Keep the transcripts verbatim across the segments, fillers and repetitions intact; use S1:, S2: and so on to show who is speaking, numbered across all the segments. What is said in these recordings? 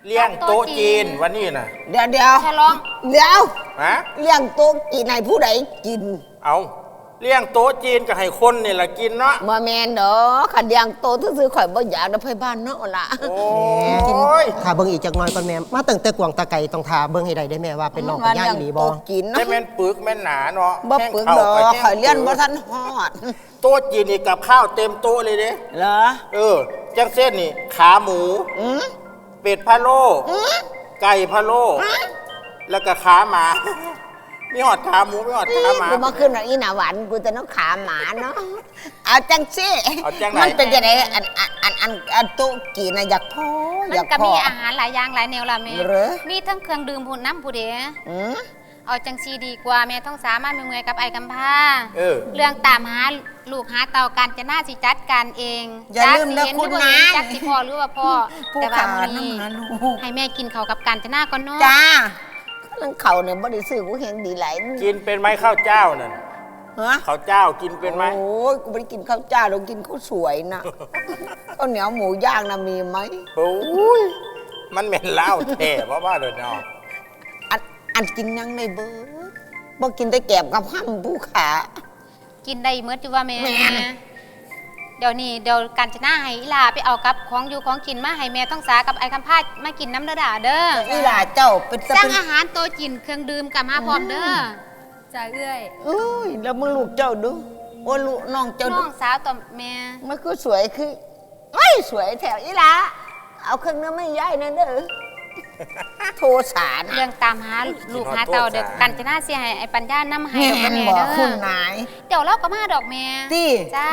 S1: เลี้ยงโต๊ะจีนวันนี้น่ะ
S2: เดี๋ยวเดี๋ยว
S3: ฉลอง
S2: เดี๋ยว
S1: ฮะ
S2: เลี้ยงโต๊ะจีนให้ผู้ใดกิน
S1: เอาเลี้ยงโต๊ะจีนก็ให้คนนี่แหละกินเนาะ
S2: บ่แม่นดอกขันเลี้ยงโต๊ะซื่อๆข่อยบ่อยากได้ไผบ้านเนาะล่ะ
S1: โอ้ย
S4: ถ้าเบิ่งอีกจักหน่อยก่อนแม่มาตั้งแต่กวางตะไก่ต้องทาเบิ่งให้ได้ได้แม่ว่าเป็นน้องเป็นย่าอีหลีบ่
S2: กินเนาะ
S1: แม่นปึกแม่นหนาเนาะ
S2: บ่ปึกดอกข่อยเลี้ยงบ่ทันฮอด
S1: โต๊ะจีนนี่กับข้าวเต็มโต๊ะเลยเด้
S2: เหรอ
S1: เออจังเส้นนี่ขาหมู
S2: อือ
S1: เป็ดพะโล้ไก่พะโล้แล้วก็ขาหมามีหอดขาหมูมีหอดขาหมา
S2: กูมาขึ้นอีหน้าหวานกูจะน้องขาหมาเนาะเอาจังซี่
S1: เอาจังไหน
S2: มันเป็นจังได๋อันอันอันอันอันโต๊ะกินน่ะอยากพออยากพอ
S3: มันก็มีอาหารหลายอย่างหลายแนวล่ะแม่มีทั้งเครื่องดื่มผู้น้ำผู้เด้
S2: อือ
S3: เอาจังซีดีกว่าแม่ต้องสามารถมีเมื่อยกับไอ้กำพร้า
S1: เออ
S3: เรื่องตามหาลูกหาเต่ากันจะน่าสิจัดการเอง
S2: อย่าลืมนะคุณนะ
S3: จักสิพ่อหรือว่าพ่อแต่ว่ามื้อนี้ให้แม่กินข้าวกับกันจะน่าก่อนเนาะ
S2: จ้านั่งเขาเนี่ยบ่ได้ซื้อกูแหงดีหลาย
S1: กินเป็นไหมข้าวเจ้านั่น
S2: ฮะ
S1: ข้าวเจ้ากินเป็นไหม
S2: โอ้ยกูไม่ได้กินข้าวเจ้าเรากินข้าวสวยนะข้าวเหนียวหมูย่างนะมีไหม
S1: โอ้ยมันเหม็นเหล้าแท้เพราะว่าเดี๋ยวน้อง
S2: อันอันกินยังในเบิร์ดบ่กินได้แกบกับห้ำผู้ขา
S3: กินได้เมื่อจุว่าแม่เดี๋ยวนี้เดี๋ยวกันจะหน้าให้อีลาไปเอากับของอยู่ของกินมาให้แม่ต้องสากับไอ้คำพาดมากินน้ำเด้อเด้อ
S2: อีลาเจ้าเป็น
S3: สร้างอาหารโตจินเครื่องดื่มกับมาพร้อมเด้อจ่าเอื้อย
S2: เอ้ยแล้วมึงลูกเจ้าดูโอ้ลูกน้องเจ้า
S3: น้องสาวต่อแม่
S2: มันคือสวยคือไม่สวยแถวอีลาเอาเครื่องน้ำไม่ย่ายนั่นเด้อโทสาร
S3: เรื่องตามหาลูกหาเต่าเด็กกันจะน่าเสียให้ไอ้ปัญญาน้ำให้ดอกแม่
S2: เด้อคุณนาย
S3: เดี๋ยวเราก็มาดอกแม่
S2: ตี้
S3: จ้า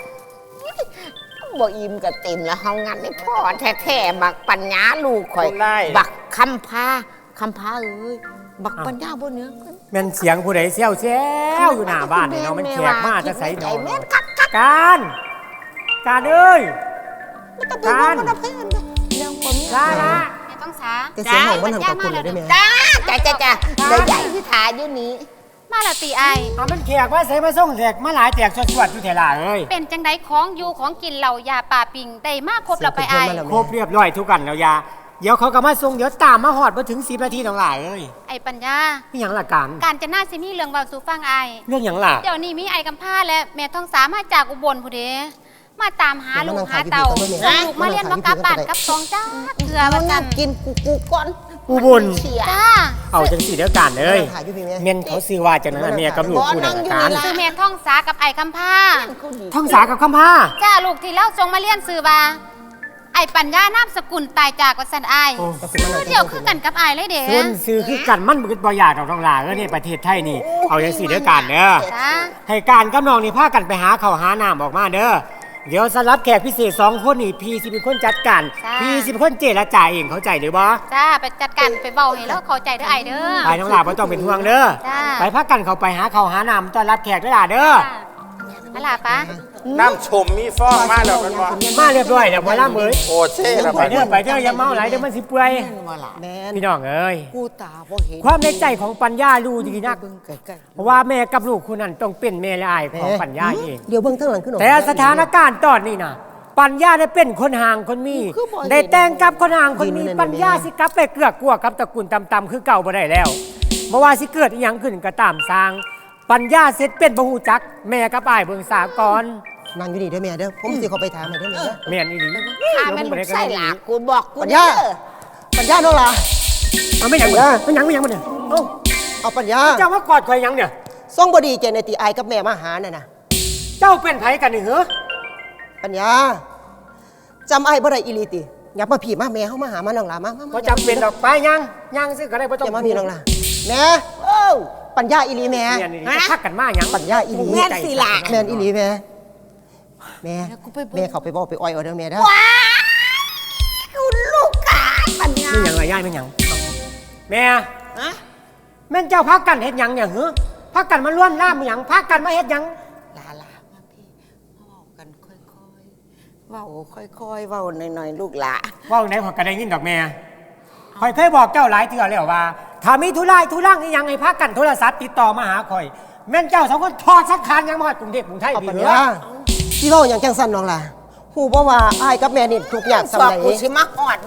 S2: บ่อิ่มกับเต็มแล้วเฮางั้นไม่พอแท้ๆบักปัญญาลูกข่อยบักคำพาคำพาเอ้ยบักปัญญาบ่เนื้อ
S5: แม่นเสียงผู้ใดเซี่ยวแซวอยู่หน้าบ้านนี่เนาะมันแขกมาจะใส่นอนการการเอ้ยการจ้าละ
S3: ไม่ต้องสา
S4: แต่เสียงของมันทำกับคุณเลยได้ไหม
S2: จ้าจ้าจ้าจ้าใหญ่ที่ขาอยู่นี้
S3: มาละตีไอ
S5: เอามันแขกว่าใส่มาส่งแขกมาหลายแจกสวดๆอยู่แถวล่าเอ้ย
S3: เป็นจังไดของอยู่ของกินเหล่ายาป่าปิงได้มากครบแล้วไปไอ
S5: ครบเรียบร้อยทุกกันแล้วยาเดี๋ยวเขาก็มาส่งเดี๋ยวตามมาหอดมาถึงสิบนาทีทั้งหลายเอ้ย
S3: ไอปัญญา
S5: พี่หยังละกัน
S3: การจะน่าสิมีเรื่องเบาสู่ฟังไอ
S5: เรื่องหยังล่ะ
S3: เดี๋ยวนี้มีไอกำพร้าและแม่ท้องสามาจากอุบลผู้เดมาตามหาลูกหาเต่าลูกมาเรียนว่ากลับบ้านกับสองจ้าเกลือมาจัน
S2: กินกูกูก่อน
S5: อุบล
S3: จ้า
S5: เอาจังสีเดียวกันเลยเมียนเขาซื้อว่าจังนั้นเมียกับลูกคู่นั่งกัน
S3: ซื้อเมียท้องสากับไอคำพร้า
S5: ท้องสากับคำพร้า
S3: จ้าลูกที่เล่าทรงมาเรียนซื้อว่าไอปัญญานามสกุลตายจากวัสันไอเดี๋ยวคือกันกับไอเลยเด้
S5: ส่วนซื้อคือกันมันบึกบ่อยากดอกทองหลาเออเนี่ยประเทศไทยนี่เอาจังสีเดียวกันเด้อให้การกับน้องนี่พากันไปหาเขาหาน้ำออกมาเด้อเดี๋ยวสำหรับแขกพิเศษสองคนนี่พี่สิเป็นคนจัดการพี่สิเป็นคนเจรจาเองเข้าใจหรือบ่
S3: จ้าไปจัดการไปเบาให้แล้วเข้าใจเด้อไอเด้อ
S5: ไปน้องหลาบ่ต้องเป็นห่วงเด้อไปพักกันเขาไปหาเขาหาน้ำต้อนรับแขกด้วยล่ะเด้อ
S3: อะไรปะ
S1: น้ำชมมีฟองมาแล้วกันบ่
S5: มาเรียบร้อยแล้วบ่ล่ะเอ้ย
S1: โอ้เช่ละ
S5: ไปเด้อไปเด้ออย่าเมาหลายเดี๋ยวมันสิเปื่อยพี่น้องเอ้ยความในใจของปัญญารู้ดีนักเพราะว่าแม่กับลูกคนนั้นต้องเป็นแม่และอายของปัญญาเอง
S4: เดี๋ยวเบิ่งข้างหลังขึ้น
S5: แต่สถานการณ์ตอนนี้น่ะปัญญาได้เป็นคนห่างคนมีได้แต่งกับคนห่างคนมีปัญญาสิกลับไปเกือกกลัวกับตระกูลต่ำๆคือเก่าบ่ได้แล้วบ่ว่าสิเกิดอีหยังขึ้นก็ตามสร้างปัญญาเสร็จเป็นบ่ฮู้จักแม่กับอ้ายเบิ่งสากร
S4: นั่งอยู่นี่เด้อแม่เด้อผมสิเข้าไปถามให้เด้อแม่เด้อ
S5: แม่นอีหลี
S2: ข้าแม่นลูกไส้หลากูบอกกู
S4: ปัญญาปัญญาน้องล่ะ
S5: เอาไม่หยังไม่หยังไม่หยังบ่เนี่ย
S4: เอ้าเอาปัญญา
S5: เจ้ามากอดข่อยหยังเนี่ย
S4: ส่งบ่ดีใจในติอายกับแม่มาหาน่ะนะ
S5: เจ้าเป็นไผกันนี่เหรอ
S4: ปัญญาจำไอ้บ่ได้อีหลีติอย่ามาผีมาแม่เฮามาหามาน้องล่ะมา
S5: บ่จำเป็นดอกไปยังยังซิก็ได้บ่ต้อง
S4: อย่ามาพี่น้องล่ะแม่โอ้ปัญญาอีหลีแม่
S5: ฮะพักกันมาหยัง
S4: ปัญญาอีหลี
S2: แม่นสิล่ะ
S4: แม่นอีหลีแม่แม่แม่เขาไปบอกไปอ้อยเอาเด้อแม่เด้อ
S2: ว้าคุณลูกกาปัญญา
S5: ไม่หยังละยายไม่หยังแม่ฮะแม่นเจ้าพักกันเฮ็ดหยังเนี่ยเหรอพักกันมาร่วมน้ำหยังพักกันมาเฮ็ดหยัง
S2: ลาลามาพี่เว้ากันค่อยๆเว้าค่อยๆเว้าหน่อยๆลูกหล่ะ
S5: เว้าไหนขอยก็ได้ยินดอกแม่ข่อยเคยบอกเจ้าหลายเทื่อแล้วว่าถ้ามีธุระธุรังอีหยังให้พักกันโทรศัพท์ติดต่อมาหาข่อยแม่นเจ้าสองคนทอดสักคานยังมาฮอดกรุงเทพกรุงไทยพี่เหรอ
S4: พี่เว้าหยังจังซั่นน้องล่ะฮู้บ่ว่าอ้ายกับแม่นี่ทุกอย่างซำใด
S2: กูสิมาฮอดมึง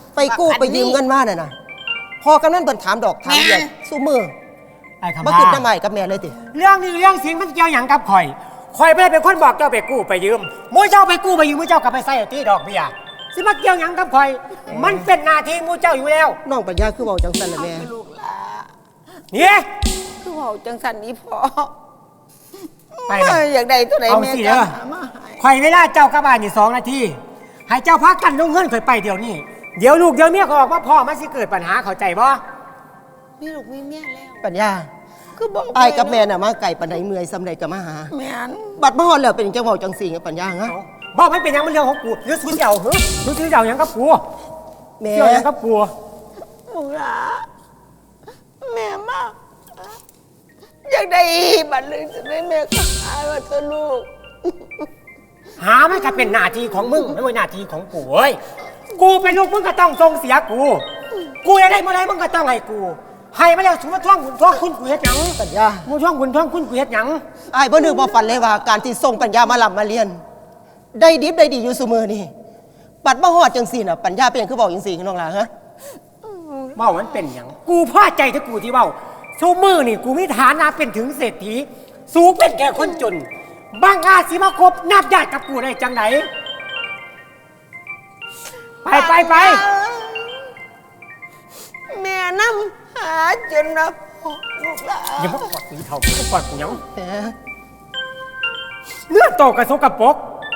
S4: ไปกู้ไปยืมเงินมาน่ะนะพอกำนันเปิ่นถามดอกถามเดียวสู้มือ
S5: ไอ้คำ
S4: มา
S5: พา
S4: ขึ้นน้ำใหม่กับแม่เลยติ
S5: เรื่องนี้เรื่องสิงมันเกี่ยวหยังกับข่อยข่อยไม่ได้เป็นคนบอกเจ้าไปกู้ไปยืมมูเจ้าไปกู้ไปยืมมูเจ้าก็ไปใส่ที่ดอกเบี้ยสิมาเกี่ยวหยังกับข่อย มันเป็นหน้าที่มูเจ้าอยู่แล้ว
S4: น้องปัญญาคือเว้าจังซั่นล่ะแม่
S2: ลูกหลา
S5: เนี่ย
S2: คือเว่าจังสันนี้พอ
S5: ไปเลย
S2: อยากได้ตัวไหน
S5: เอา
S2: แม่
S5: สิ
S2: ก็
S5: เด้อ
S2: หามาให้
S5: ข่อยเวลาเจ้ากลับบ้านอยู่สองนาทีให้เจ้าพักกันลงเงินข่อยไปเดี๋ยวนี้เดี๋ยวลูกเดี๋ยวเมียเขาออกมาพ่อมันสิเกิดปัญหาเข้าใจบ่
S2: มีลูกมีเมียแล้ว
S4: ปัญญา
S2: คือบอก
S4: อ้ายกับแม่น่ะมาไก่ปานใดเมื่อยซำใดก็มาหา
S2: แม่น
S4: บัดมาฮอดแล้วเป็นจังเว้าจังซี่ไงปัญญาฮะ
S5: บอกมันเป็นหยังมันเรื่องของกูหรือซื้อเจ้าเหรอหรือซื้อเจ้าหยังกับกู
S4: แม่
S5: เจ้าหยังกับกู
S2: ลูกหลาแม่มากอยากได้บัตรเลยจะได้แม่ก็หาว่าตัวลูก
S5: หามันก็เป็นหน้าที่ของมึงไม่ใช่หน้าที่ของกูเว้ยกูเป็นลูกมึงก็ต้องส่งเสียกู กูอยากได้เมื่อไรมึงก็ต้องให้กู ให้มาแล้วสมมติท่องคุณท่องคุณกูเฮ็ดหยัง
S4: ปัญญา
S5: มึงท่องคุณท่องคุณกูเฮ็ดหยัง
S4: อ้ายบ่นึกบ่ฝันเลยว่าการที่ส่งปัญญามาลำมาเรียน ได้ดิบได้ดีอยู่ซุมื้อนี่บัดมาฮอดจังซี่น่ะปัญญาเป็นหยังคือเว้าจังซี่น้องหล่ะฮะ
S5: เบ้ามันเป็นหยังกูพอใจที่กูที่เบ้าชูมือนี่กูมีฐานะเป็นถึงเศรษฐีสูงเป็นแค่คนจนบางอาจสิมาคบนับญาติกับกูได้จังไหนไปไปไป
S2: แม่น้ำหาจนนะลูกหลาน
S5: อย่ามากอดกูเท่าอย่ามากอดกูหยัง
S4: แหม
S5: เลือดโตกระสกปรก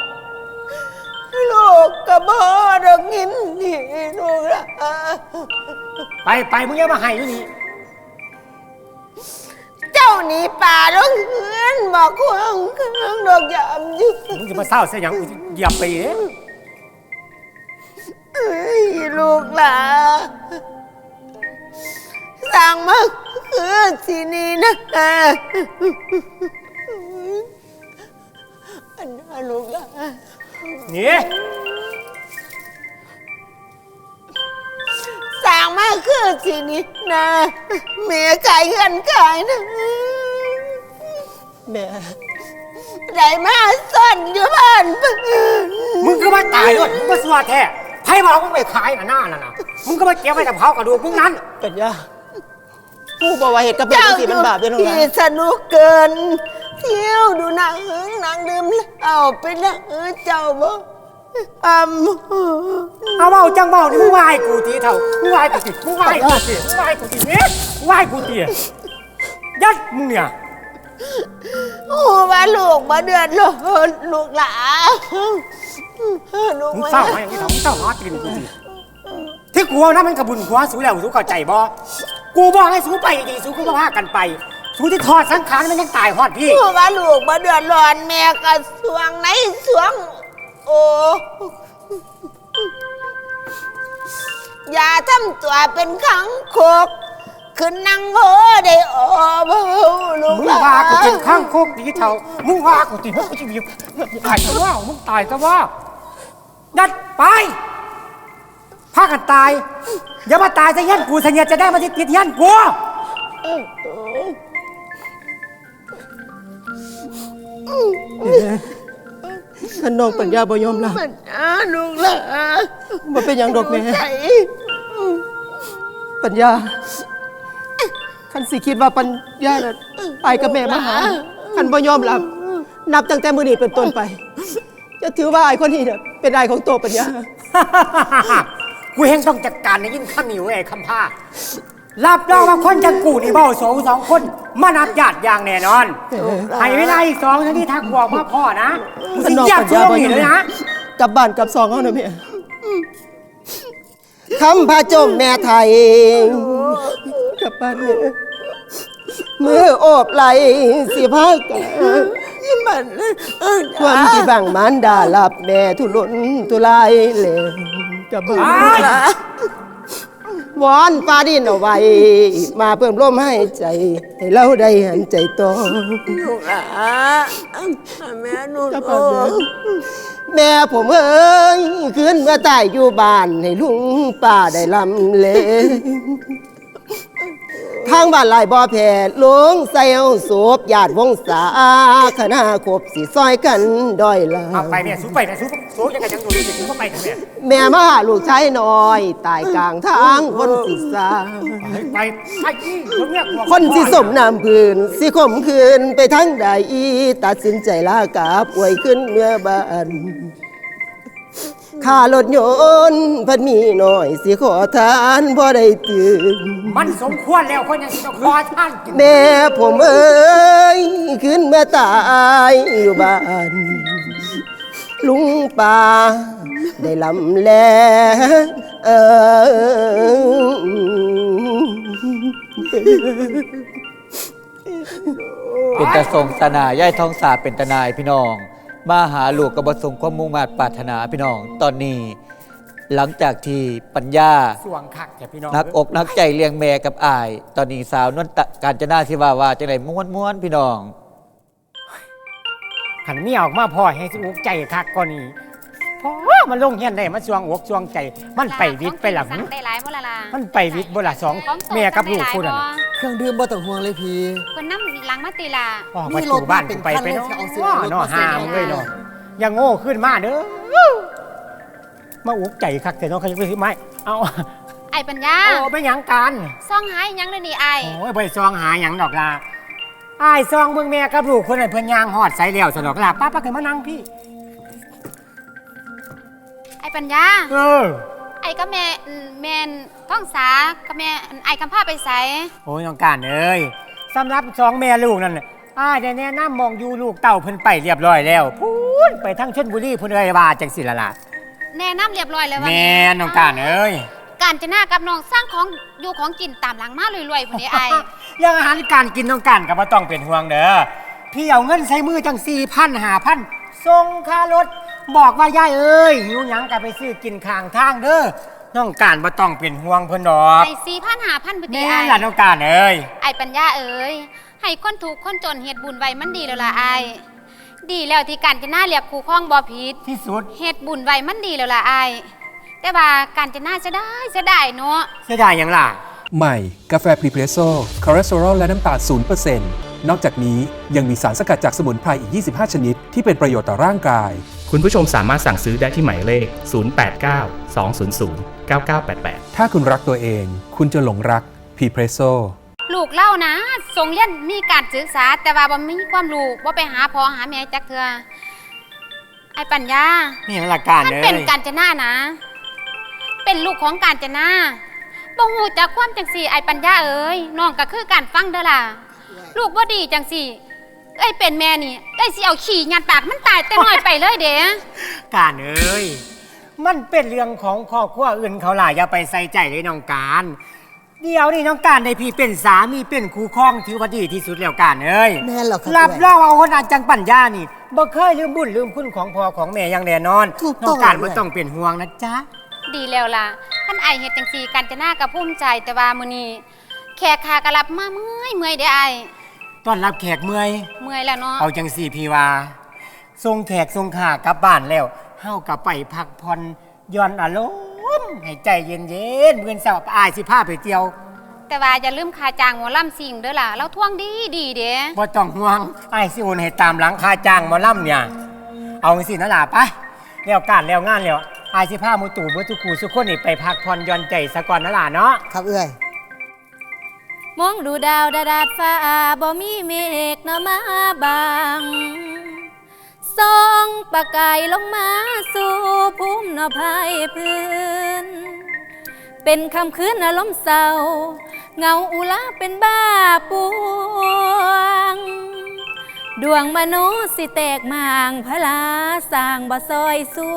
S2: ลูกกระบอกดอกงินนี่ลูกหลาน
S5: ไปไปมึงอย่ามาให้อยู่นี่
S2: เจ้าหนีป่าดอกเงินบอกควงเครื่องดอกยามยืน
S5: มึงจะมาเศร้าเสียหยังกูจะเหยียบไปเด้
S2: เอ้ยลูกหลานสั่งมาคือที่นี่นะอันนั้นลูกหลาน
S5: นี่
S2: สั่งมาคือที่นี่นะเมียขายเงินขายนะ
S4: แม่
S2: ได้มาซ่อนอยู่บ้าน
S5: มึงก็มาตายด้วยมึงก็สวาแท้ไพ่บอกมึงไปขายน่ะหน้าน่ะนะมึงก็มาเก็บไว้แต่เผากระดูกมึงนั้น
S4: ปัญญาผู้บ่ว่าเหตุกับแม่
S2: เจ้า
S4: จังซี่มันบาปเด้อน้องหล่ะ
S2: ที่สนุกเกิน เที่ยวดูหนังหนังดื่มเอาไปนะเจ้าบ่อำ
S5: เอาเบาจังเบานี่มึงไหวายกูทีเท่ามึงไหวายกูทีมึงไหวายกูทีมึงไหวายกูทีเนี่ยมึงไหวายกูทียัดมึงเนี่ย
S2: โอ้ว่าลูกมาเดือดร้อนลูกหลานลูก
S5: มึง
S2: มา
S5: เศร้าไหมอย่างนี้เท่ามึงเศร้าหาตีนกูทีที่กูเอานะมันกระบุญหัวสูแล้วสูเข้าใจบ่กูบอกให้สูไปดีๆสูก็มาพากันไป สูที่ทอดสังขารมันยังตายฮอดพี่
S2: โอ้ว่าลูกมาเดือดร้อนแม่ก็สวงไหนสวง โอ้อย่าทำตัวเป็นขังโคกขึ้นนั่งโหได้โอ้เบาลูก
S5: มึ
S2: ห
S5: ง
S2: ลาน
S5: ว่ากูเป็นข้างโคกดีเท่ามึงว่ากูตีมึงกูจะมีตายก็ว่ามึงตายก็ว่ายัดไปพากันตายอย่ามาตายซะยันกูเสนียจะได้มาที่ติดยันกู
S4: ท่านน้องปัญญาบ่ยอมรับ
S2: มันอ่าลูกหลาน
S4: บ่เป็นหยังดอกแม่
S2: ใจ
S4: ปัญญาคันสิคิดว่าปัญญาน่ะไปกับแม่มาหาคันบ่ยอมรับ นับตั้งแต่มื้อนี้เป็นต้นไป จะถือว่าไอ้คนนี้น่ะเป็นไอ้ของตัวปัญญา
S5: กูเฮงต้องจัดการในยิ่งข้ามอยู่ไอ้คำพารับรองว่าคนจะกูนี่เบ้าสองสองคนมานับญาติอย่างแน่นอนให้เวลาอีกสองนาทีถ้ากูออกมาพ่อนะกูสิอยากช่วยมึงเลยนะ
S4: กลับบ้านกลับซองเฮานะแม่คำพาจมแม่ไทยกลับบ้านแม่มือโอบไหลสิพากัน
S2: มันเออ
S4: ความที่บังมันดาหลับแม่ทุรนทุรายเลยกลับบ้าน
S5: ไป
S4: วอนฟ้าดินเอาไว้ มาเพิ่มลมให้ใจ ให้เราได้หันใจต่อ
S2: ลูกหลานแม่หนู
S4: กลับ
S2: โอ้
S4: บ้านแม่ แม่ผมเอ้ยคืนเมื่อตายอยู่บ้านให้ลุงป้าได้ลำเลทางบ้านหลายบ่อแผ่ลงใส่เอาศพญาติวงศาคณะครบสิซอยกันด้อยลา
S5: เอาไปเนี่ยสู้ไปเนี่ยสู้สู้ยังไงยังสู้อยู่สู้เข้าไปเนี่ย
S4: แม่มาหาลูกชายน้อยตายกลางทางคนสิสา
S5: ไปไปไปที่ตรงเนี้ย
S4: คนสิสมน้ำพื้นสิข่มคืนไปทั้งใดตัดสินใจลากาป่วยขึ้นเมื่อบ้านค่ารถยนต์พันมีหน่อยสิขอทานพอได้ตื่น
S5: มันสมควรแล้วคนยังสิต้องคอท่านกิน
S4: แม่ผมเอ้ยขึ้นมาตายอยู่บ้าน ลุงป่าได้ลำแลเออ
S6: เป็นตาทรงสนาย่ายท้องสาเป็นตานายพี่น้องมาหาลูกกบทรงความมุ่งมา่ปรารถนาพี่น้อง ตอนนี้หลังจากที่ปัญญา
S5: สวงคักแกพี่น้อง
S6: นักอกนักใจเลี้ยงแม่กับอาย ตอนนี้สาวนวลตะการจนาสิว่าว่าจังไดม้วนม้วนๆพี่น้อง
S5: ขันมีออกมาพ่อให้สิอกใจคักก่อนนี้พ่อมันลงเฮียนได้มันสวงอกสวงใจ มันไปวิทย์ไปหลัง
S3: สั่งได้หลายบ่ล่ะล่ะ
S5: มันไปวิทย์บ่ละสอง
S3: ของโต
S5: แม่กับลูกคู่นั้น
S7: เครื่องดื่มบ่ต้องห่วงเลยพี่
S3: เพิ่นนำหลังมาติล่ะ
S5: ออกมาสู่บ้านกูไปไปเนาะ
S7: มีรถมาเป็นคันเลยสิเอาสิ
S5: ว่า
S7: เอารถ
S5: เนาะ
S7: มาใส่
S5: หามเลยเนาะอย่าโง่ขึ้นมาเด้อมาอุกใจคักแต่น้องเขาจะไปซื้อไม้เอา
S3: ไอ้ปัญญา
S5: โอ้ไม่หยังกัน
S3: ซ่องหายยังเลยนี่ไอ้
S5: โอ้ยไปซองหาหยังดอกลาอ้ายซองเบิ่งแม่กับลูกคนนั้นเพิ่นย่างฮอดใส่แล้วสนอกลาป้าป้าเคยมานั่งพี่
S3: ไอ้ปัญญา
S5: เออ
S3: ไอ้ก็แม่อืมแม่นท้องสากับแม่ไอ้คำพาไปไส
S5: โอ้ยน้องการเอ้ยสำหรับสองแม่ลูกนั่นน่ะอ้ายได้แนะนำมองอยู่ลูกเต่าเพิ่นไปเรียบร้อยแล้วพูนไปทั้งชลบุรีพุ่นเอ้ยว่าจังสิล่ะล่ะ
S3: แนะนำเรียบร้อยแล้วว่า
S5: แม่น้องการเอ้ย
S3: การจะหน้ากับน้องสร้างของอยู่ของกินตามหลังมารวยๆพุ่นนี้ไอ้
S5: เรื่องอาหารการกินน้องการก็บ่ต้องเป็นห่วงเด้อพี่เอาเงินใส่มือจังสี่พันห้าพันส่งค่ารถบอกว่ายายเอ้ยหิวหยังก็ไปซื้อกินข้างทางเด้อน้องการบ่ต้องเป็นห่วงเพิ่นดอก
S3: ไอ้สี่พันหาพันพุ่น
S5: แม่
S3: นี้ไอ้
S5: ล่ะน้องการเอ้ย
S3: ไอ้ปัญญาเอ้ยให้คนถูกคนจนเฮ็ดบุญไว้มันดีแล้วล่ะไอ้ดีแล้วที่การจะหน้าเรียกครูข้องบ่ผิด
S5: ที่สุด
S3: เฮ็ดบุญไว้มันดีแล้วล่ะไอ้แต่ว่าการจะหน้าจะได้จะได้เนาะ
S5: เสียดายหยังล่ะ
S8: ใหม่ กาแฟพรีเพรสโซ่คอเลสเตอรอลและน้ำตาล ศูนย์เปอร์เซ็นต์ นอกจากนี้ยังมีสารสกัดจากสมุนไพรอีก ยี่สิบห้า ชนิด ที่เป็นประโยชน์ต่อร่างกาย
S9: คุณผู้ชมสามารถสั่งซื้อได้ที่หมายเลข ศูนย์ แปด เก้า สอง ศูนย์ ศูนย์ เก้า เก้า แปด แปด
S8: ถ้าคุณรักตัวเอง คุณจะหลงรักพรีเพรสโซ่
S3: ลูกเล่านะส่งเรียนมีการศึกษาแต่ว่าบ่มีความรู้บ่ไปหาพ่อหาแม่จักเทื่อไอ้ปัญญา
S5: นี่มันหลักการ
S3: ท่าน
S5: เลย
S3: เป็นการจนานะ เป็นลูกของการจนาบ่ฮู้จักความจังสี่ไอ้ปัญญาเอ้ยน้องก็คือการฟังเด้อล่ะลูกบ่ดีจังสี่เอ้ยเป็นแม่นี่เอ้ยสิเอาขี้ยัดปากมันตายแต่น้อยไปเลยเด้
S5: การเอ้ย มันเป็นเรื่องของครอบครัวอื่นเขาล่ะอย่าไปใส่ใจเลยน้องการ เดี๋ยวนี่น้องการในพี่เป็นสามีเป็นคู่ครองถือว่าดีที่สุดแล้วการเอ้ย
S7: แม่นเหรอครับ
S5: รับรองว่าคนอาจังปัญญานี่บ่เคยลืมบุญลืมคุณของพ่อของแม่อย่างแน่นอน
S7: ถูก
S5: น้
S7: ต้
S5: อ
S7: อง
S5: งการ
S7: เลย
S5: ไม่ต้องเป็นห่วงนะจ๊ะ
S3: ดีแล้วล่ะท่านไอายเฮ็ดจังสี่การจนากับภูมิใจแต่ว่ามื้อนี้แขกขากะรับมาเมื่อยเมื่อยเด้อไอาย
S5: ต้อนรับแขกเมื่อย
S3: เมื่อยแล้วเนาะ
S5: เอาจังสี่พี่ว่าทรงแขกทรงขากลับบ้านแล้วเฮากลับไปพักผ่อนหย่อนอารมณ์ให้ใจเย็นๆเมื่อนเสาร์อายสิพาไปเที่ยว
S3: แต่ว่าอย่าลืมค่าจ้างหมอลำซิ่งเด้อล่ะเราท่วงดีดีเด้
S5: บ่ต้องห่วงอายสิโอนให้ตามหลังค่าจ้างหมอลำเนี่ย เอาสินะล่ะไปแล้วการแล้วงานแล้วอายสิพาหมูตู่เบ่ทุกคู่ทุกคนนี่ไปพักผ่อนหย่อนใจซะก่อนนะล่ะเนาะ
S7: ครับเอ้ย
S10: มองดูดาวดาดาดฟ้าบ่มีเมฆเนาะมาบางส่องประกายลงมาสู่ภูมิเนาะภายพื้น เป็นคำคืนอารมณ์เศร้าเงาอุลาเป็นบ้าปวง ดวงมนุษย์สิแตกมางพลาสร้างบ่ซอยสู้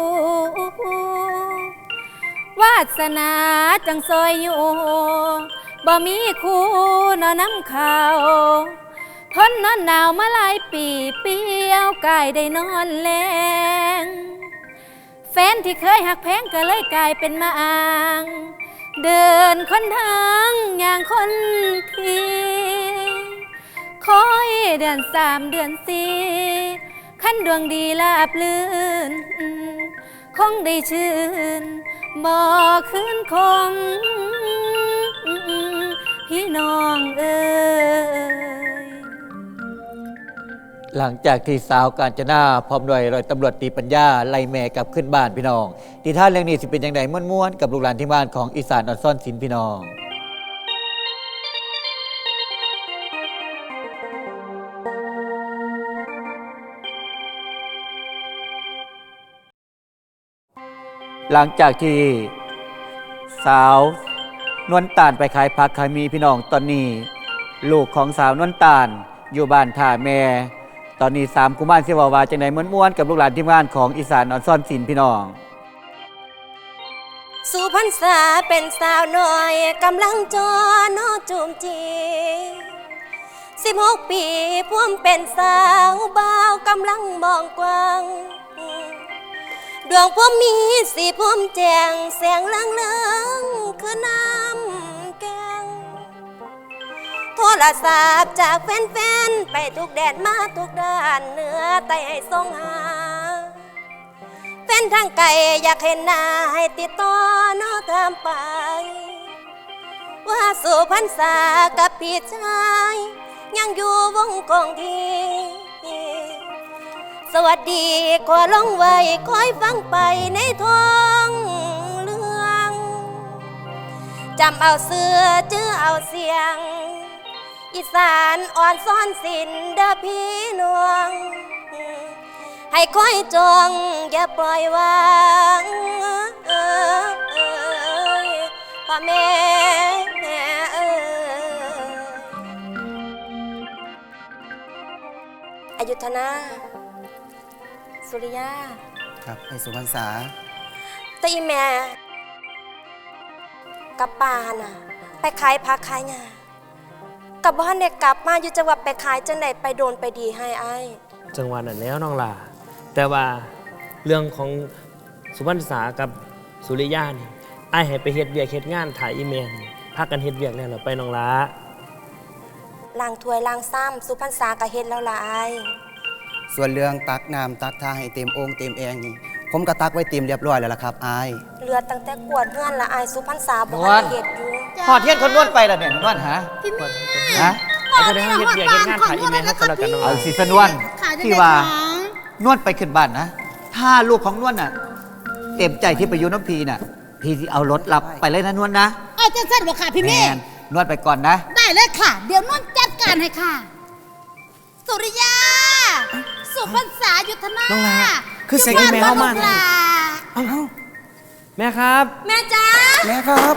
S10: วาสนาจังซอยอยู่บ่มีคู่นอนน้ำเขาทนนอนหนาวมาหลายปีเปียวกายได้นอนแลงแฟนที่เคยหักแพงก็เลยกลายเป็นมาอ้างเดินคนทางอย่างคนทีคอยเดือนสามเดือนสี่ขั้นดวงดีลาบลื่นคงได้ชื่นบ่คืนคงพี่น้องเอ้
S6: หลังจากที่สาวกาญจนาพร้อมด้วยร้อยตำรวจตรีปัญญาไล่แม่กลับขึ้นบ้านพี่น้องที่ท่านเรื่องนี้สิเป็นอย่างไรม่วนๆกับลูกหลานที่บ้านของอีสานออนซ่อนศิลป์พี่น้องหลังจากที่สาวนวลตาลไปขายผักขายมีพี่น้องตอนนี้ลูกของสาวนวลตาลอยู่บ้านท่าแม่ตอนนี้สามกุมารเสวาวาจังไหนม้วนๆกับลูกหลานที่บ้านของอีสานออนซ่อนศิลป์พี่น้อง
S11: สุพรรษาเป็นสาวน้อยกำลังจอนอจูมจีสิบหกปีพ่วมเป็นสาวบ่าวกำลังมองกว้างดวงพ่วมมีสีพ่วมแจงแสงลังเลืองคือน้ำแกงโทรศัพท์จากแฟนๆไปทุกแดนมาทุกด้านเหนือใต้ให้ส่งหาแฟนทางไกลอยากเห็นหน้าให้ติดต่อนอตามไปว่าสุพรรษากับพี่ชายยังอยู่วงกองทีสวัสดีขอลงไว้คอยฟังไปในท้องเรื่องจำเอาเสื้อจื้อเอาเสียงอีสานอ่อนซ่อนสินเด้อพี่น้องให้คอยจองอย่าปล่อยวางเอ้ยพ่อแม่เอ้ยอยุธนาสุริยา
S4: ครับไอ้สุพรรษา
S11: แต่อีแม่กับปาน่ะไปขายผักขายงากับบ้านเด็กกลับมาอยู่จังหวัดไปขายจังไหนไปโดนไปดีให้ไอ้
S12: จังหวัดนั่นแล้วน้องลาแต่ว่าเรื่องของสุพรรณษากับสุริยานี่ไอ้ให้ไปเฮ็ดเวียกเฮ็ดงานถ่ายอีเมลพากันเฮ็ดเวียกแล้วเหรอไปน้องลา
S11: ล้างถ้วยล้างซ้ำสุพรรณษากับเฮ็ดแล้วล่ะไอ้
S4: ส่วนเรื่องตักน้ำตักท่าให้เต็มโอ่งเต็มแองนี่ผมก็ตักไว้เต็มเรียบร้อยแล้วล่ะครับอาย
S11: เรือตั้งแต่กวดเฮือนละไอ้สุพรรณษาบ่ให้เฮ็ดอยู่
S6: พอเทียนคนนวดไปแล้วเนี่ยนวดหา
S11: พี่แม่
S6: ฮะ
S12: ไอ้ก็ได้เฮ็ดเวียกเฮ็ดงานถ่ายอีเมลให้กันแล้วกันน้องลา
S6: เอาสิสนวนที่ว่านวดไปขึ้นบ้านนะถ้าลูกของนวดน่ะเต็มใจที่ไปอยู่น้ำพีน่ะพี่สิเอารถรับไปเลยนะนวดนะ
S2: เออจะเส้นบ่ค่ะพี่เมย์
S6: นวดไปก่อนนะ
S2: ได้เลยค่ะเดี๋ยวนวดจัดการให้ค่ะสุริยาสุพรรษายุทธนา
S12: น้องลาคือเสียงอีเมลเข้ามาเอ้าแม่ครับ
S11: แม่จ้า
S4: แม่ครับ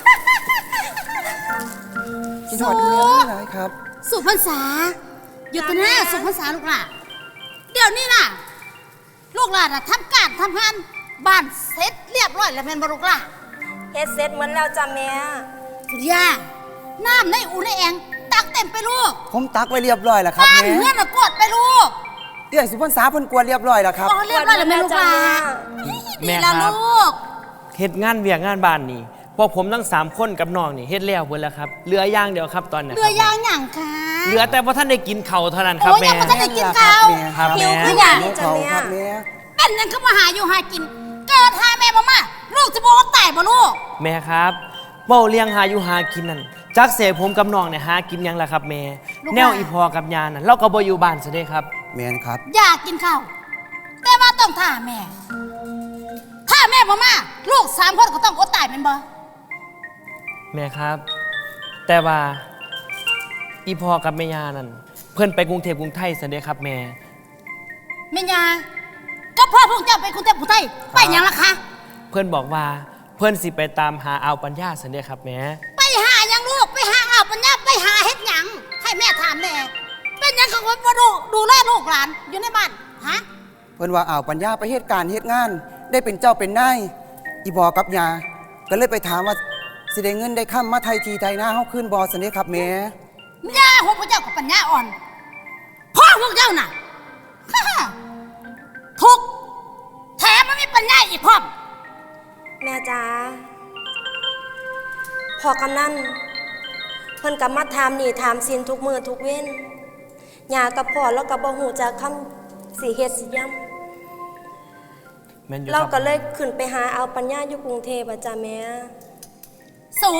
S4: กินหอดเนื้อไม่ไรครับ
S2: สุพรรษายุทธนาสุพรรษาลูกหล่ะเดี๋ยวนี้น่ะลูกหลานน่ะทำการทำงานบ้านเสร็จเรียบร้อยแล้วแม่นบ่ลูกหล่ะ
S11: เฮ็ดเสร็จเหมือนแล้วจ้ะแม่
S2: สุริยาน้ำในอู่ในแองตักเต็มไปลูก
S4: ผมตักไว้เรียบร้อยแล้วครับแม่
S2: บ้านเฮือนน่ะกวดไปลูก
S4: เดี๋ยวสุพรรณษาเพิ่นกวดเรียบร้อยแล้วครับ
S2: อ๋อเรียบร้อยแล้วแม่ลูกหล่ะ
S12: แม่ครับเฮ็ดงานเวียกงานบ้านนี่พวกผมทั้งสามคนกับน้องนี่เฮ็ดแล้วเพิ่นแล้วครับเหลืออย่างเดียวครับตอนนี้
S2: เหลืออย่างหยังคะ
S12: เหลือแต่ว่าท่านได้กินข้าวเท่านั้นครับแม่
S2: โอ้ยยังบ่ทันได้กินข้าวหิวคือหยัง
S4: จ้ะแม่
S2: เป็นยังคือมาหาอยู่หากินเกิดหาแม่บ่มาลูกจะบ่ตายบ่ลูก
S12: แม่ครับเว้าเลี้ยงหาอยู่หากินนั่นจักเสพผมกับน้องเนี่ยหากินยังล่ะครับแม่แนวอีพอกับยานั่นเราก็บ่อยู่บ้านซะเด้ครับ
S4: แม่นครับ
S2: อยากกินข้าวแต่ว่าต้องท่าแม่ถ้าแม่บ่มาลูกสามคนก็ต้องอดตายแม่นบ่
S12: แม่ครับแต่ว่าอีพอกับแม่ยานั่นเพิ่นไปกรุงเทพกรุงไทยซะเด้ครับแม่
S2: แม่ยาก็พ่อพวกเจ้าไปกรุงเทพกรุงไทยไปหยังล่ะคะ
S12: เพิ่นบอกว่าเพิ่นสิไปตามหาเอาปัญญาซะเด้ครับแม่
S2: ไปหาหยังลูกไปหาเอาปัญญาไปหาเฮ็ดหยังให้แม่ถามแม่เป็นหยังเขาบ่ดูดูแลลูกหลานอยู่ในบ้านฮะ
S4: เพิ่นว่าเอาปัญญาไปเฮ็ดการเฮ็ดงานได้เป็นเจ้าเป็นนายอีบ่กับยาก็เลยไปถามว่าสิได้เงินได้ค่ำมาไทยทีไทยหน้าเฮาขึ้นบ่ซั่นเด้ครับแม่
S2: ย่าของพวกเจ้ากับปัญญาอ่อนพ่อพวกเจ้าน่ะทุกแถมมันมีปัญญาอีกพร้อม
S11: แม่จ๋าพอกำนันเพิ่นกับมาถามนี่ถามสินทุกมือทุกเว้นยากับพ่อแล้วกับบ่ฮู้จักคำสิเฮ็ดสิย่ำเราก็เลยขึ้นไปหาเอาปัญญาอยู่กรุงเทพอ่ะจ้ะแม่
S2: สุ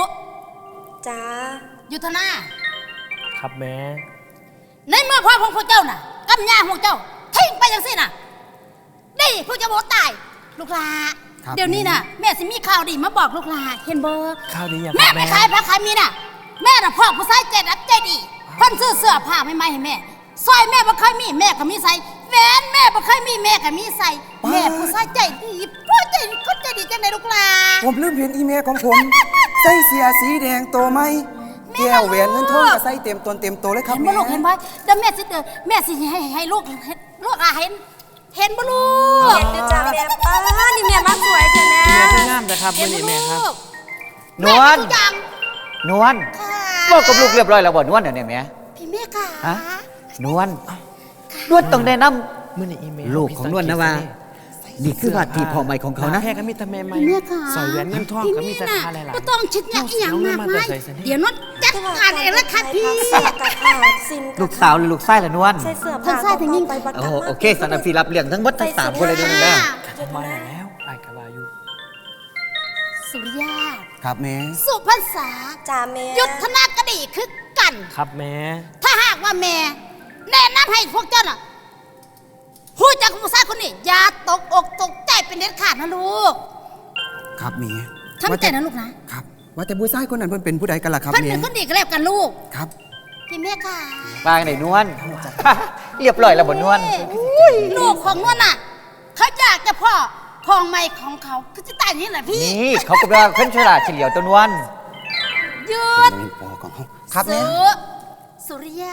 S11: จ้า
S2: ยุทธนา
S12: ครับแม่
S2: ในเมื่อพ่อของพวกเจ้าน่ะกำยาพวกเจ้าทิ้งไปจังสิน่ะนี่พวกเจ้าบอกตายลูกหลาเดี๋ยวนี้น่ะแม่สิมีข่าวดีมาบอกลูกหลาเห็นบ่
S12: ข้าวดีอย่าง
S2: แม่ไปขายผักขายมีน่ะแม่น่ะพ่อผู้ชายใจรักใจดีเพิ่นซื้อเสื้อผ้าใหม่ๆให้แม่สร้อยแม่บ่เคยมีแม่ก็มีใส่แหวนแม่บ่เคยมีแม่ก็มีใส่แม่ผู้ชายใจดีพ่อใจคนใจดีจังได๋ลูกหลา
S7: ผมลืมเห็นอีเมลของผม ใส่เสียสีแดงโตไหมแก้วแหวนเงินทองก็ใส่เต็มตนเต็มโตเลยครับ
S2: เห็น
S7: แม่
S2: บ่ลูกเห็นบ่เดี๋ยวแม่สิเตือนแม่สิให้ให้ลูกให้ลูกอาเห็นเห็นบ่ลูก
S11: เห็นอยู่จ้าแม่ป้านี่แม่มาสวยเถอะนะ
S12: แม่ก็งามแต่ครับ
S2: เห็
S12: มื่
S2: น
S12: อ
S2: บ่
S12: นี้
S2: ลู
S12: แม่ครับ
S2: ก
S6: นวล
S2: แม่ทุกอย่าง
S6: นวล
S2: ค่ะ
S6: บอกกับลูกเรียบร้อยแล้วบ่นวลเนี่ยแม่
S2: พี่แม่ค่ะ
S6: ฮะนวลนวลต้องแนะน
S12: มื่อนี้อีเมล
S6: ำลูกของนวลนะว่า นี่คือว่าที่พ่อใหม่ของเขานะ
S12: แค่ก็มีแต่แม่ใหม่
S2: พี่แม่ค่ะ
S12: ใส่แหวนเงินทอง
S2: พี่
S12: ก็มี
S2: แม่
S12: แต่
S2: น่ะ
S12: ค่าหลาย
S2: บ่ต้องคิดอย่างอีหยังมากมายเดี๋ยวน้องจัดการเองแล้วค่ะพี่
S11: เสื้อกับขาดสิน
S6: ลูกสาวหรือลูกชายล่ะนวล
S11: ใส่เสื้อ
S2: ทั้
S11: ผ้าง
S2: ซ้ายทั้งยิ่ง
S11: ไปบัก
S6: โอ้
S11: กะ
S6: โห
S11: มา
S6: โอเคสันนฟีรับเลี้ยงทั้งหมดทั้งสามคนเลยเด้วยนะ
S12: มาแล้วไอ้กะวาอยู่
S2: สุริยา
S7: ครับแม่
S2: สุพรรษา
S11: จ้าแม่
S2: ยุทธนากดีคือกัน
S12: ครับแม่
S2: ถ้าหากว่าแม่แนะนำให้พวกเจ้าน่ะผู้จักผู้ชายคนนี้อย่าตกอกตกใจเป็นเด็ดขาดนะลูก
S7: ครับแม่
S2: ทำใจนะลูกนะครับ
S7: ว่าแต่ผู้ชายคนนั้นเพิ่นเป็นผู้ใดกันล่ะครับ
S2: เพิ่น
S7: แม่
S2: เป็นคนดีก็แล้วกันลูก
S7: ครับ
S2: พี่แม่ค่ะ
S6: ปางไหนนวล เรียบร้อยแล้วบ่นวล
S2: อุ้ยลูกของนวลน่ะเขาอยากจะพ่อพองไม่ของเขาคือจะตายนี่แหละพี่
S6: นี่เขาก็ว่าขึ้นฉลาดเฉลียวตัวนวล
S2: ยืด
S7: เป็นปอของเขาครับแม่
S2: สุสุริยา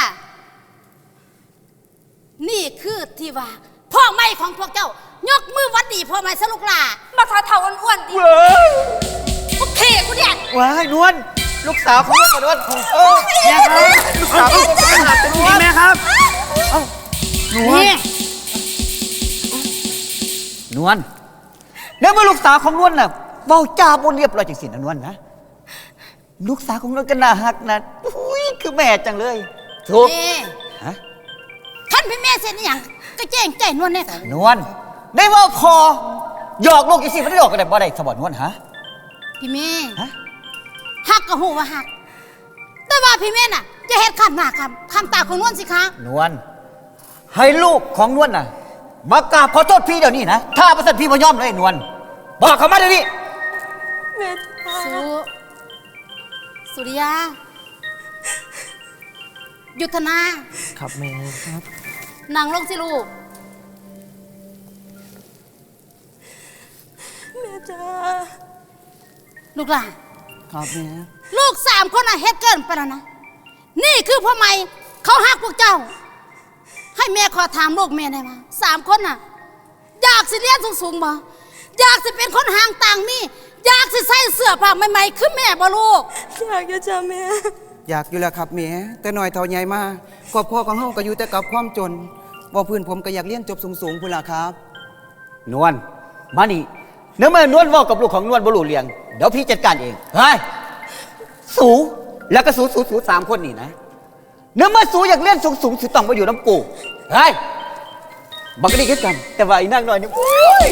S2: นี่คือที่ว่าพ่อไม่ของพวกเจ้ายกมือวัดดีพ่อไม่สลุกหลา
S11: มาทอเท่าอ้วนๆดิ
S2: โอเคกูเนี่ย
S6: ว้ายนวลลูกสาวของนวลบ่นวลเออ
S12: แม่ครับลูกสาวของผมเป็นหลักเป็นนวลแม่ครับ
S2: นี่
S6: นวลแล้วเมื่อลูกสาวของนวลน่ะเว้าจาบ่เรียบร้อยจังสินะนวลนะลูกสาวของนวลก็น่าฮักนะอุ้ยคือแม่จังเลยถูก
S2: นี่
S6: ฮะ
S2: ท่านพี่แม่เสร็จหรือยังก็แจ้งใจนวลเนี่ยค่ะ
S6: นวลได้ว่าพอหยอกลูกอีสิไม่ได้หยอกกันได้บ่ได้สบอนวลฮะ
S2: พี่แม่
S6: ฮะ
S2: หักก็หูว่าหัก แต่ว่าพี่แม่น่ะจะเฮ็ดขันหน้าคำคำตาของนวลสิคะ
S6: นวลให้ลูกของนวลน่ะมากราบขอโทษพี่เดี๋ยวนี้นะถ้าประสันพี่บ่ยอมเลยนวลบอกเขามาเดี๋ยวนี้
S11: แม่
S2: สุสุริยา ยุทธนา
S12: ครับแม่ครับ
S2: นางลงสิลูก
S11: แม่จ้า
S2: ลูกหลาน
S7: ครับแม่
S2: ลูกสามคนน่ะเฮ็ดเกินไปแล้วนะ นี่คือพ่อใหม่เขาหักพวกเจ้า ให้แม่ขอถามลูกแม่ได้มาสามคนน่ะ อยากสิเรียนสูงๆบ่อยากสิเป็นคนห่างต่างมีอยากสิใส่เสื้อผ้าใหม่ๆคือแม่บ่ลูก
S11: อยากจะจ้าแม่
S7: อยากอยู่แล้วครับแม่แต่หน่อยเท่าใหญ่มาครอบครัวของเฮาก็อยู่แต่กับความจนว่าเพื่อนผมก็อยากเรียนจบสูงๆพุ่นล่ะครับ
S6: นวลมานี่เนื้อเมื่อนวลเว่ากับลูกของนวลบ่รู้เรื่องเดี๋ยวพี่จัดการเองเฮ้ยสูแล้วก็สูสูสูสามคนนี่นะเนื้อเมื่อสูอยากเล่นสูงสูงสูต้องมาอยู่น้ำกูเฮ้ยบักก็ดีขึ้นกัน แต่ว่าอีนั่งหน่อยนี่โอ้ย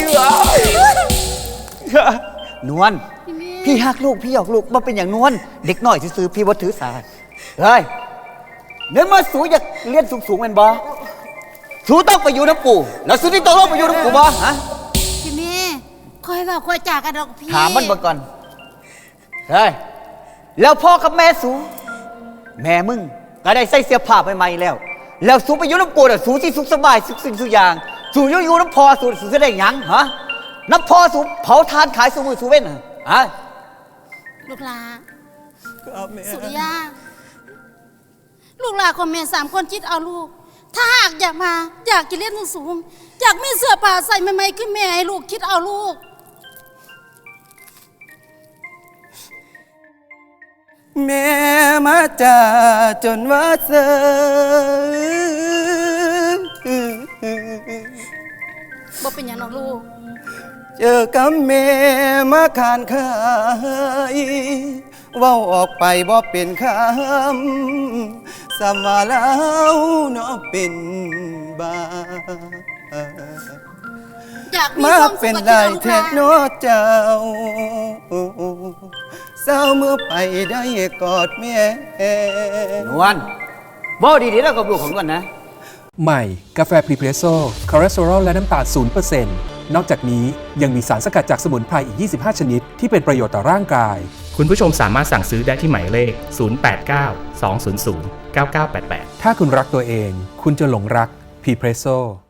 S6: นวลพี่ฮักลูกพี่หยอกลูกมาเป็นอย่างนวลเด็กน้อยซื้อๆพี่ว่าถือสาเฮ้ยเนื้อเมื่อสูอยากเล่นสูงสูงเป็นบ่สูต้องไปอยู่น้ำกูแล้วสูที่ต้องลงไปอยู่น้ำกูบ่ฮะ
S2: พี่แม่คอยเว่าคอยจากกันดอกพี่
S6: ถามมันบ่ก่อน เฮ้ย แล้วพ่อกับแม่สู แม่มึงก็ได้ใส่เสื้อผ้าใหม่ๆแล้ว แล้วสูไปอยู่น้ำกูน่ะสูที่สุขสบายสุขสิ่งสุขอย่าง สูอยู่อยู่น้ำพอสูสูจะได้หยังฮะ น้ำพอสูเผาทานขายสูมือสูเว้นน่ะฮะ
S2: ลูกหลา
S7: ครับแม่
S2: สุริยา ลูกหลาของแม่สามคนจิตเอาลูก ถ้าหากอยากมา อยากจะเรียนสูงๆอยากมีเสื้อผ้าใส่ใหม่ๆคือแม่ให้ลูกคิดเอาลูก
S7: แม่มาจ่าจนว่าเสือ
S2: บ่เป็นอย่างน้องลูก
S7: เจอกับแม่มาขานขายเว้าออกไปบ่เป็นคำสำว่าแล้วเนาะเป็นบา
S2: อยากมี
S7: มา
S2: ความสุ
S7: เป็
S2: ข
S7: น
S2: กับ
S7: ได้
S2: ลูก
S7: แท้
S2: หลา
S7: เนาะเจ้าเศร้าเมื่อไปได้กอดแม่
S6: นวลบ่ดีๆแล้วกับลูกของนวลนะ
S8: ใหม่กาแฟพรีเพรสโซ่คอเลสเตอรอลและน้ำตาล ศูนย์เปอร์เซ็นต์ นอกจากนี้ยังมีสารสกัดจากสมุนไพรอีก ยี่สิบห้า ชนิดที่เป็นประโยชน์ต่อร่างกาย
S9: คุณผู้ชมสามารถสั่งซื้อได้ที่หมายเลข ศูนย์ แปด เก้า สอง ศูนย์ ศูนย์ เก้า เก้า แปด แปด
S8: ถ้าคุณรักตัวเองคุณจะหลงรักพรีเพรสโซ่